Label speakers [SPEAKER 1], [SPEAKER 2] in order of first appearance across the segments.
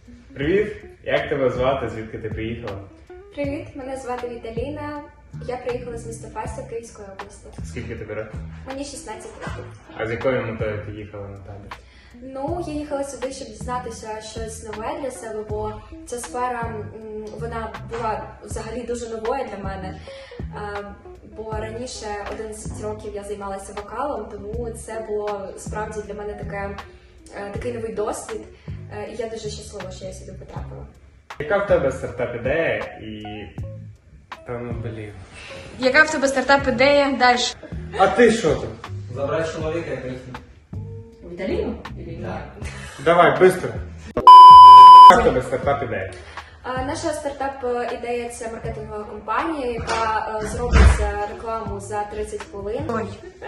[SPEAKER 1] Привіт! Як тебе звати? Звідки ти приїхала?
[SPEAKER 2] Привіт, мене звати Віталіна. Я приїхала з міста Фастів Київської області.
[SPEAKER 1] Скільки тобі років?
[SPEAKER 2] Мені 16 років.
[SPEAKER 1] А з якою метою ти їхала на табір?
[SPEAKER 2] Ну, я їхала сюди, щоб дізнатися щось нове для себе, бо ця сфера, вона була взагалі дуже новою для мене. Бо раніше 11 років я займалася вокалом, тому це було справді для мене такий новий досвід. І я дуже щаслива, що я сюди потрапила.
[SPEAKER 1] Яка в тебе стартап-ідея і...
[SPEAKER 3] Яка в тебе стартап-ідея? Далі.
[SPEAKER 1] А ти що там?
[SPEAKER 4] Забрать человека и пойти.
[SPEAKER 3] Віталіну?
[SPEAKER 4] Да.
[SPEAKER 1] Давай, швидко. Яка в тебе стартап-ідея?
[SPEAKER 2] Наша стартап-ідея – це маркетингова компанія, яка зробить рекламу за 30 хвилин.
[SPEAKER 3] Ой.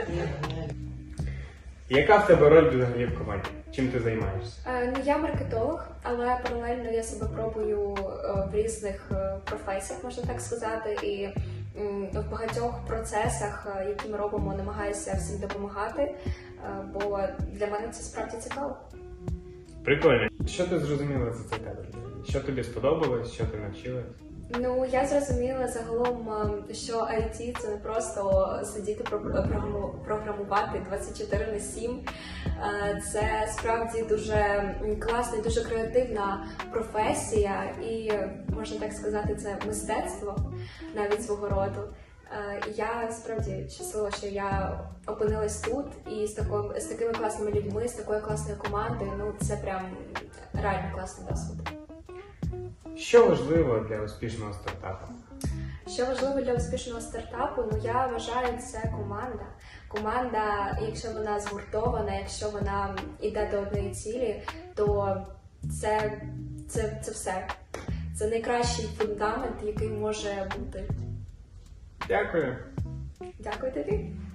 [SPEAKER 1] Яка в тебе роль взагалі в команді? Чим ти займаєшся?
[SPEAKER 2] Ну, я маркетолог, але паралельно я себе пробую в різних професіях, можна так сказати, і в багатьох процесах, які ми робимо, намагаюся всім допомагати, бо для мене це справді цікаво.
[SPEAKER 1] Прикольно. Що ти зрозуміла за цей табір? Що тобі сподобалось, що ти навчилась?
[SPEAKER 2] Ну, я зрозуміла загалом, що IT – це не просто сидіти програмувати 24/7. Це справді дуже класна і дуже креативна професія і, можна так сказати, це мистецтво навіть свого роду. Я справді щаслива, що я опинилась тут і з такими класними людьми, з такою класною командою. Ну, це прям реально класний досвід.
[SPEAKER 1] Що важливо для успішного стартапу?
[SPEAKER 2] Що важливо для успішного стартапу, ну я вважаю, це команда. Команда, якщо вона згуртована, якщо вона йде до одної цілі, то це все. Це найкращий фундамент, який може бути.
[SPEAKER 1] Дякую.
[SPEAKER 2] Дякую тобі.